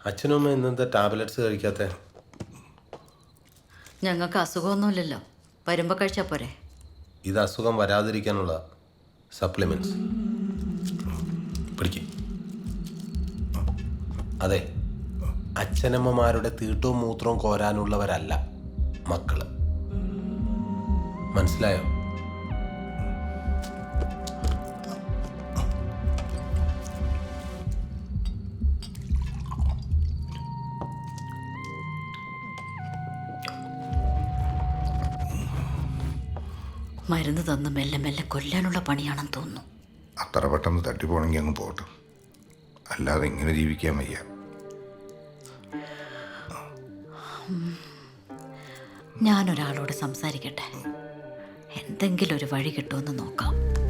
അച്ഛനും അമ്മ ഇന്നത്തെ ടാബ്ലറ്റ്സ് കഴിക്കാത്ത? ഞങ്ങൾക്ക് അസുഖമൊന്നുമില്ലല്ലോ, വരുമ്പോൾ കഴിച്ചാൽ പോരെ. ഇത് അസുഖം വരാതിരിക്കാനുള്ള സപ്ലിമെന്റ്സ്. പിടിക്കും. അതെ, അച്ഛനമ്മമാരുടെ തീട്ടവും മൂത്രവും കോരാനുള്ളവരല്ല മക്കള്. മനസ്സിലായോ? മരുന്ന് തന്ന് മെല്ലെ മെല്ലെ കൊല്ലാനുള്ള പണിയാണെന്ന് തോന്നുന്നു. അത്ര പെട്ടെന്ന് തട്ടിപ്പോണെങ്കിൽ അങ്ങ് പോട്ടെ, അല്ലാതെ ഇങ്ങനെ ജീവിക്കാൻ വയ്യ. ഞാനൊരാളോട് സംസാരിക്കട്ടെ, എന്തെങ്കിലും ഒരു വഴി കിട്ടുമെന്ന് നോക്കാം.